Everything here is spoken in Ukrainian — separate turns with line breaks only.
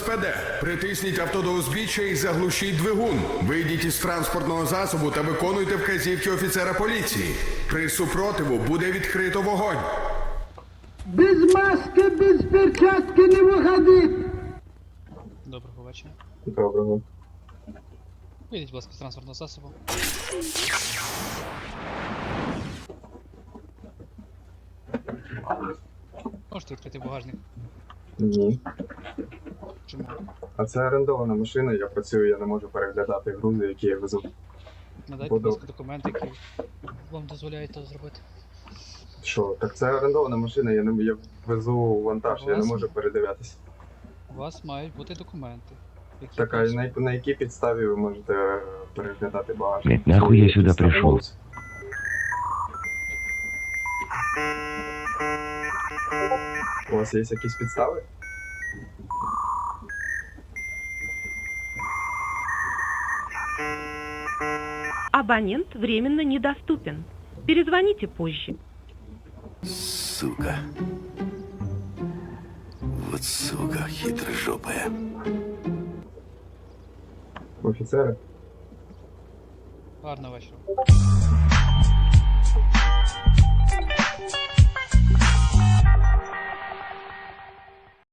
СПД. Притисніть авто до узбіччя і заглушіть двигун. Вийдіть із транспортного засобу та виконуйте вказівки офіцера поліції. При супротиву буде відкрито вогонь.
Без маски, без перчатки не виходить.
Доброго вечора.
Доброго.
Вийдіть, будь ласка, з транспортного засобу. Можете відкрити багажник.
Ні.
Чому?
А це орендована машина, я працюю, я не можу переглядати грузи, які я везу.
Надайте, будь ласка, документи, які вам дозволяють це зробити.
Що? Так це орендована машина, я везу вантаж, я не можу передивлятися.
У вас мають бути документи. Які
Так, а на якій підставі ви можете переглядати багаж?
Блять, нахуй я сюда пришел?
У вас є якісь підстави?
Абонент временно недоступен. Перезвоните позже.
Сука. Вот сука хитрожопая.
Офіцери?
Гарного вечора.